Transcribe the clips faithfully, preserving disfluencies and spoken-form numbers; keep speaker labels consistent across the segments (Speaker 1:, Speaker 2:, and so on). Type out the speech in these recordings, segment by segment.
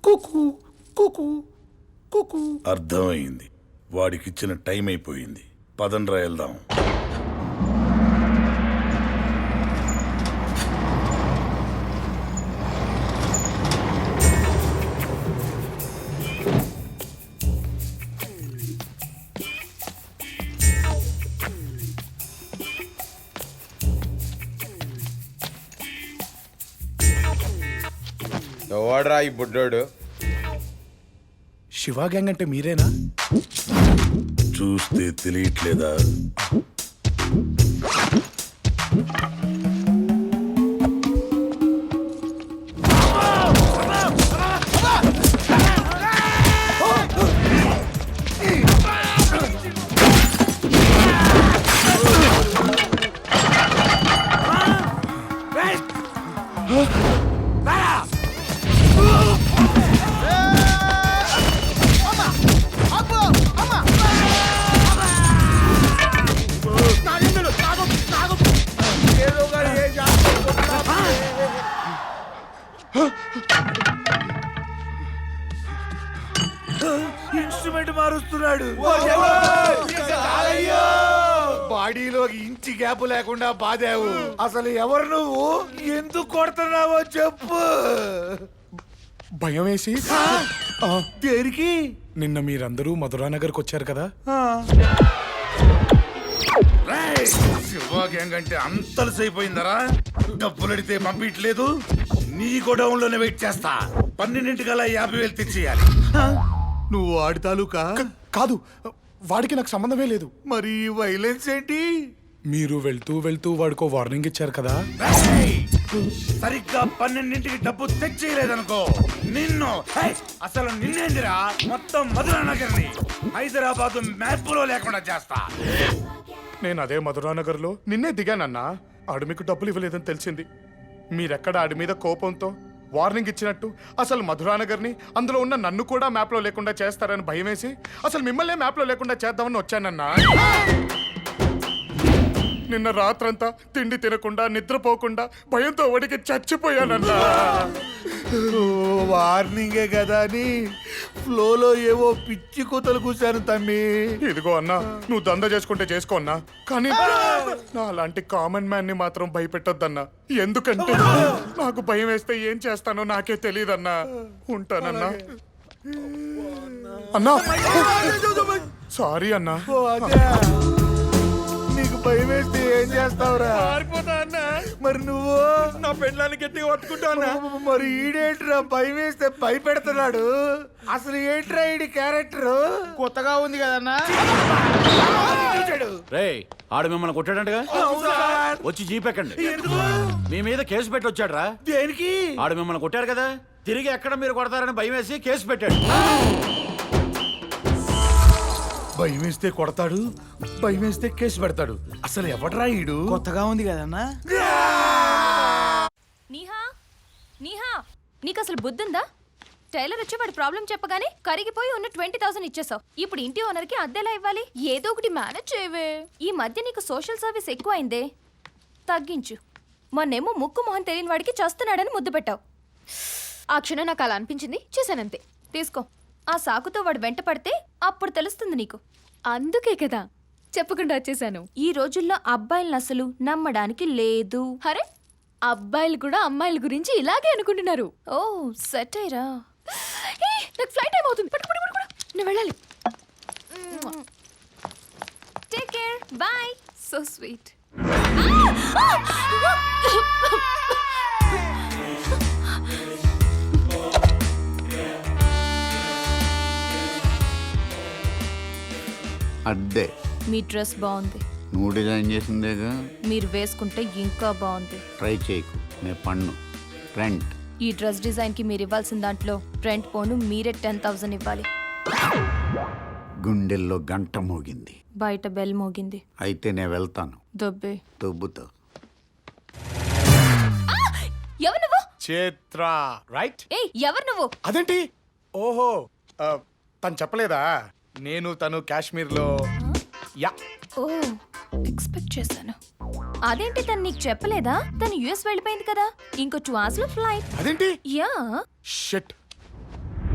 Speaker 1: కుకు కుకు కుకు.
Speaker 2: అర్థమైంది. వాడికిచ్చిన టైం అయిపోయింది. పదండ్రా వెళ్దాం.
Speaker 3: ఎవడ్రా ఈ బుడ్డోడు?
Speaker 1: శివ గ్యాంగ్ అంటే మీరేనా?
Speaker 2: చూస్తే తెలియట్లేదా?
Speaker 1: ఇన్స్ట్రుమెంట్ మారుస్తున్నాడు. బాడీలో ఇంచి గ్యాప్ లేకుండా బాదావు. అసలు ఎవరు నువ్వు? ఎందుకు కొడుతున్నావో చెప్పు. భయం వేసి దేనికి? నిన్న మీరందరూ మధురానగర్కి వచ్చారు కదా.
Speaker 2: శివ గ్యాంగ్ అంటే అంతలసైపోయిందరా? డబ్బులు అడితే పంపించలేదు. నీ గోడౌన్ లోనే వెయిట్ చేస్తా. పన్నెండింటికల్లా యాభై వేలు తెచ్చేయాలి.
Speaker 1: నువ్వు వాడి తాలూకా? కాదు, వాడికి నాకు సంబంధమే లేదు. మరి వైలెన్స్ ఏంటి? మీరు వెళ్తూ వెళ్తూ వాడికో వార్నింగ్ ఇచ్చారు కదా.
Speaker 2: సరిగ్గా పన్నెండింటికి డబ్బు తెచ్చేయలేదనుకో నిన్ను, అసలు నిన్నేందిరా మొత్తం మధురానగర్ని హైదరాబాద్ మ్యాప్ లో లేకుండా చేస్తా.
Speaker 1: నేను అదే మధురానగర్లో నిన్నే దిగానన్నా. ఆడు మీకు డబ్బులు ఇవ్వలేదని తెలిసింది. మీరెక్కడ ఆడి మీద కోపంతో వార్నింగ్ ఇచ్చినట్టు అసలు మధురానగర్ని, అందులో ఉన్న నన్ను కూడా మ్యాప్లో లేకుండా చేస్తారని భయం వేసి అసలు మిమ్మల్ని మ్యాప్లో లేకుండా చేద్దామని వచ్చానన్నా. నిన్న రాత్రంతా తిండి తినకుండా నిద్రపోకుండా భయంతో వడికి చచ్చిపోయానన్నా. వార్నింగే కదా అని ఫ్లోలో ఏవో పిచ్చి కూతలు కూర్చాను తమ్మి. ఇదిగో అన్నా, నువ్వు దంద చేసుకుంటే చేసుకో అన్నా, కానీ నా అలాంటి కామన్ మ్యాన్ ని మాత్రం భయపెట్టొద్దన్నా. ఎందుకంటే నాకు భయం వేస్తే ఏం చేస్తానో నాకే తెలియదన్నా. ఉంటానన్నా. అన్నా సారీ అన్నా. నీకు భయం వేస్తే ఏం చేస్తావురా?
Speaker 3: అన్నా
Speaker 1: మరి నువ్వు?
Speaker 3: నా పెళ్ళాన్ని గట్టిగా పట్టుకుంటానా?
Speaker 1: మరి ఈడేంట్రా భయం వేస్తే భయపెడుతున్నాడు? అసలు ఏంట్రా ఈడి క్యారెక్టర్?
Speaker 3: కొత్తగా ఉంది కదన్నా.
Speaker 4: రే, ఆడు మిమ్మల్ని కొట్టాడంటగా? వచ్చి జీపెక్కండి. మీ మీద కేసు పెట్టి వచ్చాడు రా.
Speaker 1: దేనికి?
Speaker 4: ఆడు మిమ్మల్ని కొట్టాడు కదా, తిరిగి ఎక్కడ మీరు కొడతారని భయం వేసి కేసు పెట్టాడు.
Speaker 1: భయం వేస్తే కొడతాడు, భయం వేస్తే కేసు పెడతాడు. అసలు ఎవడ్రా ఈడు?
Speaker 3: కొత్తగా ఉంది కదన్నా.
Speaker 5: నీహా నీహా నీకు అసలు బుద్ధుందా? టైలర్ వచ్చి వాడి ప్రాబ్లం చెప్పగానే కరిగిపోయి ఉన్న ట్వంటీ థౌసండ్ ఇచ్చేసావు. ఇప్పుడు ఇంటి ఓనర్ కి అద్దెలా ఇవ్వాలి? ఏదో ఒకటి మేనేజ్ చేయవే. ఈ మధ్య నీకు సోషల్ సర్వీస్ ఎక్కువ అయిందే, తగ్గించు. మొన్నేమో ముక్కు మొహం తెలియని వాడికి చేస్తున్నాడని ముద్దు పెట్టావు. ఆ క్షణం నాకు అలా అనిపించింది, చేశానంతే. తీసుకో. ఆ సాకుతో వాడు వెంట పడితే అప్పుడు తెలుస్తుంది నీకు. అందుకే కదా చెప్పకుండా వచ్చేసాను. ఈ రోజుల్లో అబ్బాయిలను అసలు నమ్మడానికి లేదు. అరే, అబ్బాయిలు కూడా అమ్మాయిల గురించి ఇలాగే అనుకుంటున్నారు. ఓ సెట్ అయ్యరా. నాకు ఫ్లైట్ టైం అవుతుంది. పట్టు పట్టు పట్టు, నేను వెళ్ళాలి. Take care, bye. So sweet.
Speaker 6: అద్దే
Speaker 5: మీ డ్రెస్ బాగుంది.
Speaker 6: నువ్వు డిజైన్ చేసిందేగా.
Speaker 5: మీరు వేసుకుంటే ఇంకా బాగుంది.
Speaker 6: ట్రై చేయకు, నే పన్ను రెంట్.
Speaker 5: ఈ డ్రెస్ డిజైన్ కి మీరు ఇవ్వాల్సిన దాంట్లో రెంట్ పోను మీరే టెన్ థౌసండ్ ఇవ్వాలి.
Speaker 6: గుండెల్లో గంట మోగింది,
Speaker 5: బయట బెల్ మోగింది.
Speaker 6: అయితే నేను వెళ్తాను.
Speaker 5: దొబ్బే.
Speaker 6: దొబ్బుతో.
Speaker 5: ఎవరు నువ్వు?
Speaker 1: చేత్ర రైట్.
Speaker 5: ఏ ఎవరు నువ్వు?
Speaker 1: అదేంటి? ఓహో, తను చెప్పలేదా? నేను తను కాశ్మీర్ లో. యా.
Speaker 5: ఓ ఎక్స్పెక్ట్ చేశాను. అదేంటి తను నీకు చెప్పలేదా? తను యుఎస్ వెళ్ళిపోయింది కదా, ఇంకో టూ అవర్స్ లో ఫ్లైట్.
Speaker 1: అదేంటి?
Speaker 5: యా.
Speaker 1: షిట్.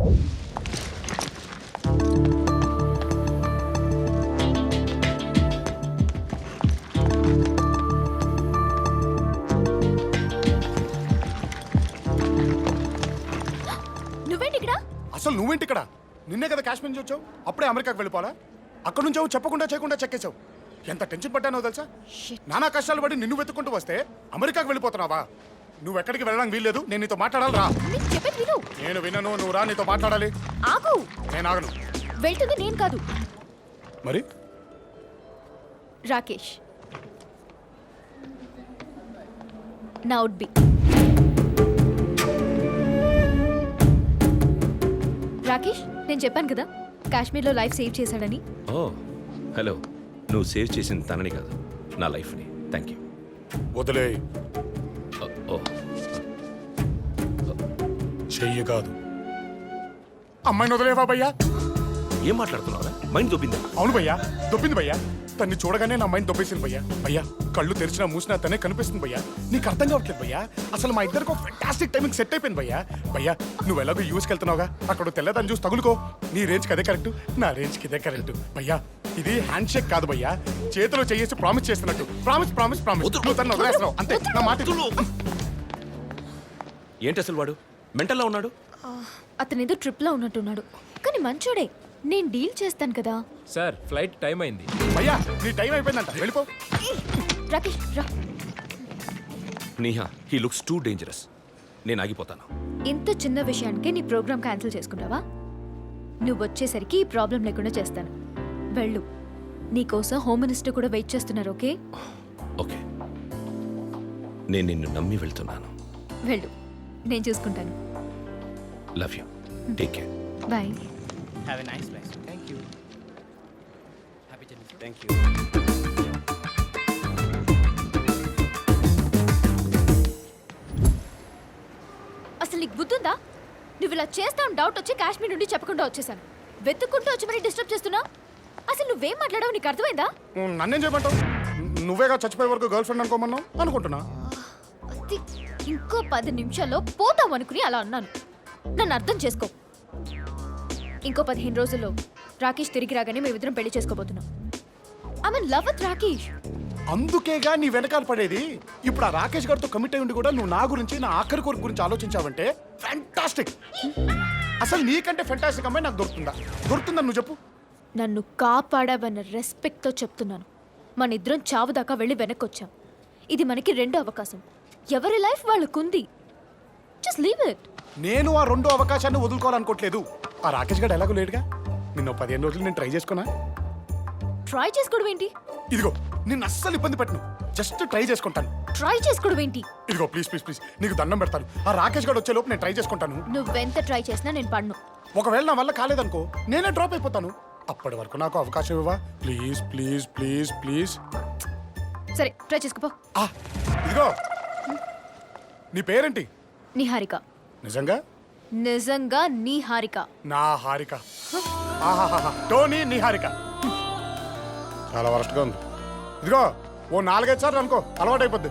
Speaker 5: నువ్వేంటి ఇక్కడ?
Speaker 1: అసలు నువ్వేంటి ఇక్కడ? నిన్నే కదా కాశ్మీర్ నుంచి వచ్చావు, అప్పుడే అమెరికాకి వెళ్ళిపోవాలా? అక్కడ నుంచి చెప్పకుండా చేయకుండా చెక్కేశావు. ఎంత టెన్షన్ పడ్డానో తెలుసా? నానా కష్టాలు పడి నిన్ను వెతుక్కుంటూ వస్తే అమెరికాకి వెళ్ళిపోతున్నావా? నువ్వు ఎక్కడికి వెళ్ళడానికి వీల్లేదు, నేను నీతో మాట్లాడాలి రా.
Speaker 5: నేను చెప్పేది విను.
Speaker 1: నేను వినను, నువ్వు రా, నీతో మాట్లాడాలి.
Speaker 5: ఆగు.
Speaker 1: నేను ఆగను.
Speaker 5: వెళ్తుంది నేను కాదు,
Speaker 1: మరి
Speaker 5: రాకేష్. నా వుడ్ బి. రాకేష్, నేను చెప్పాను కదా కాశ్మీర్లో లైఫ్ సేవ్ చేశాడని.
Speaker 7: ఓ హలో, నువ్వు సేవ్ చేసిన తనని కాదు, నా లైఫ్ని. Thank you.
Speaker 1: వదిలే.
Speaker 7: ఓ
Speaker 1: చెయ్యి కాదు, అమ్మాయిని వదిలేవా భయ్యా?
Speaker 7: ఏం మాట్లాడుతున్నావురా? మైండ్ దొబ్బిందా?
Speaker 1: అవును భయ్యా, దొబ్బింది భయ్యా. తన్ని చూడగానే నా మైండ్ దొబ్బేసింది భయ్యా. భయ్యా, కళ్ళు తెరిచినా మూసినా తనే కనిపిస్తుంది భయ్యా. నీకు అర్థం కావట్లేదు భయ్యా. అసలు మా ఇద్దరికి ఒక ఫెంటాస్టిక్ టైమింగ్ సెట్ అయిపోయింది భయ్యా. భయ్యా, నువ్వు ఎలాగో యూస్కి వెళ్తున్నావుగా, అక్కడ తెల్లదాన్ని చూసి తగులుకో. నీ రేంజ్కి అదే కరెక్ట్, నా రేంజ్కి ఇదే కరెక్ట్ భయ్యా. ఇది హ్యాండ్ షేక్ కాదు భయ్యా, చేతిలో చేసి ప్రామిస్ చేస్తున్నట్టు. Promise promise promise. నువ్వు తను వదిలేస్తున్నావు అంతే. నా మాట విను.
Speaker 7: ఏంటి అసలు వాడు మెంటల్లో ఉన్నాడు?
Speaker 5: అతను ఏదో ట్రిప్లో ఉన్నట్టున్నాడు, కానీ మంచోడే. నేను డీల్ చేస్తాను కదా.
Speaker 8: సార్ ఫ్లైట్ టైం అయింది.
Speaker 1: భయ్యా, నీ టైం అయిపోయిందంట, వెళ్ళిపో.
Speaker 5: రాకేష్ రా.
Speaker 7: Neha, he looks too dangerous. నేను ఆగిపోతాను.
Speaker 5: ఇంత చిన్న విషయానికే నీ ప్రోగ్రామ్ క్యాన్సిల్ చేసుకుంటావా? నువ్వు వచ్చేసరికి ఈ ప్రాబ్లం లేకుండా చేస్తాను. వెళ్ళు, నీకోసం హోమ్ మినిస్టర్ కూడా వెయిట్ చేస్తున్నారు. ఓకే
Speaker 7: ఓకే, నేను నిన్ను నమ్మి వెళ్తున్నాను.
Speaker 5: వెళ్ళు, నేను చూసుకుంటాను.
Speaker 7: Love you, take care.
Speaker 5: Bye.
Speaker 3: Have a nice life. Thank you. Happy journey. Thank you.
Speaker 5: అసలు నీకు బుద్ధుందా? నువ్వు ఇలా చేస్తావు డౌట్ వచ్చి కాశ్మీర్ నుండి చెప్పకుండా వచ్చేసాను. వెతుక్కుంటూ వచ్చి మరి డిస్టర్బ్ చేస్తున్నా. అసలు నువ్వేం మాట్లాడావు నీకు అర్థమైందా?
Speaker 1: నన్నేం చేయమంటావు? నువ్వేగా చచ్చిపోయే వరకు గర్ల్ ఫ్రెండ్ అనుకోమన్నావు. అనుకుంటున్నా.
Speaker 5: అది ఇంకో పది నిమిషాల్లో పోతావు అనుకుని అలా అన్నాను. నన్ను అర్థం చేసుకో. ఇంకో పదిహేను రోజుల్లో రాకేష్ తిరిగి రాగానే మేమిద్దరం పెళ్లి చేసుకోబోతున్నాం. I mean love with Rakesh.
Speaker 1: అందుకేగా నీ వెనకాల పడేది. ఇప్పుడు ఆ రాకేష్ గారితో కమిట్ అయి ఉండి కూడా నువ్వు నా గురించి, నా ఆఖరి కోరిక గురించి ఆలోచించావంటే ఫ్యాంటాస్టిక్. అసలు నీకంటే ఫ్యాంటాస్టిక్ అమ్మాయి నాకు దొరుకుతుందా? దొరుకుతుందని నువ్వు చెప్పు.
Speaker 5: నన్ను కాపాడావన్న రెస్పెక్ట్తో చెప్తున్నాను. మన ఇద్దరం చావు దాకా వెళ్ళి వెనక్కి వచ్చాం. ఇది మనకి రెండో అవకాశం. ఎవరి లైఫ్ వాళ్ళకుంది. Just leave it.
Speaker 1: నేను ఆ రెండో అవకాశాన్ని వదులుకోవాలనుకోవట్లేదు. ఆ రాకేష్ గారు ఎలాగో లేడుగా. నిన్న పదిహేను రోజులు నేను ట్రై చేసుకున్నా.
Speaker 5: ట్రై చేసుకోవడం ఏంటి?
Speaker 1: ఇదిగో, నిన్ను అస్సలు ఇబ్బంది పెట్టను. జస్ట్ ట్రై చేసుకుంటాను.
Speaker 5: ట్రై చేసుకోవడం ఏంటి?
Speaker 1: ఇదిగో ప్లీజ్ ప్లీజ్ ప్లీజ్, నీకు దండం పెడతాను. ఆ రాకేష్ గారు వచ్చే లోపు నేను ట్రై చేసుకుంటాను.
Speaker 5: నువ్వెంత ట్రై చేసినా నేను పడను.
Speaker 1: ఒకవేళ నా వల్ల కాలేదనుకో, నేనే డ్రాప్ అయిపోతాను. అప్పటి వరకు నాకు అవకాశం ఇవ్వవా? Please please please please.
Speaker 5: సరే, ట్రై చేసుకోపో.
Speaker 1: ఆ, ఇదిగో, నీ పేరేంటి?
Speaker 5: నిహారిక.
Speaker 1: నిజంగా?
Speaker 5: నిజంగా నిహారిక.
Speaker 1: నా హారిక. ఆహాహాహా, టోనీ నిహారిక. చాలా వరస్ట్గా ఉంది. ఇదిగో, ఓ నాలుగైదు సార్లు అనుకో, అలవాటు అయిపోద్ది.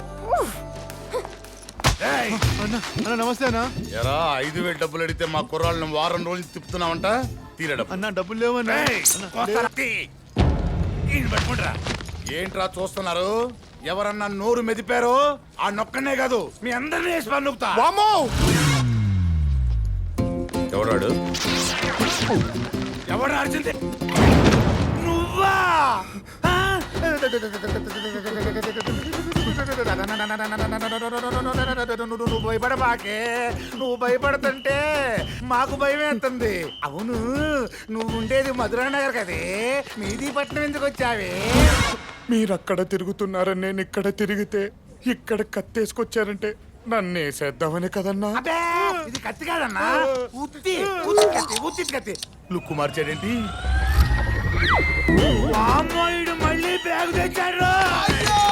Speaker 3: నమస్తే అన్న.
Speaker 2: ఎరా, ఐదు వేలు డబ్బులు అడిగితే మా కుర్రాళ్ళని వారం రోజులు తిప్పుతున్నావంట. తీరే డబ్బు.
Speaker 3: అన్న డబ్బులు లేవన్నా.
Speaker 2: ఏంట్రా చూస్తున్నారు? ఎవరన్నా నోరు మెదిపారో ఆ నొక్కనే కాదు, మీ అందరినీ వేసి పన్నుకుతా.
Speaker 1: వామ్మో!
Speaker 7: ఎవడాడు?
Speaker 2: ఎవరు అర్జుంది? నువ్వా? ఆ? నువ్వు భయపడబాకే. నువ్వు భయపడుతుంటే మాకు భయం వేస్తుంది. అవును, నువ్వు ఉండేది మధురా నగర్ కదే, మీది పట్నం ఎందుకు వచ్చావే?
Speaker 1: మీరక్కడ తిరుగుతున్నారని నేను ఇక్కడ తిరిగితే ఇక్కడ కత్తేసుకొచ్చారంటే నన్ను వేసేద్దామని కదన్నా.
Speaker 2: అబ్బే, ఇది కత్తి కాదన్నా, ఉత్తి ఉత్తి కత్తి, ఉత్తి కత్తి. లుక్కు మార్చాడేంటి? వామ్మో, ఈడు మళ్ళీ బ్యాగ్ తెచ్చాడు.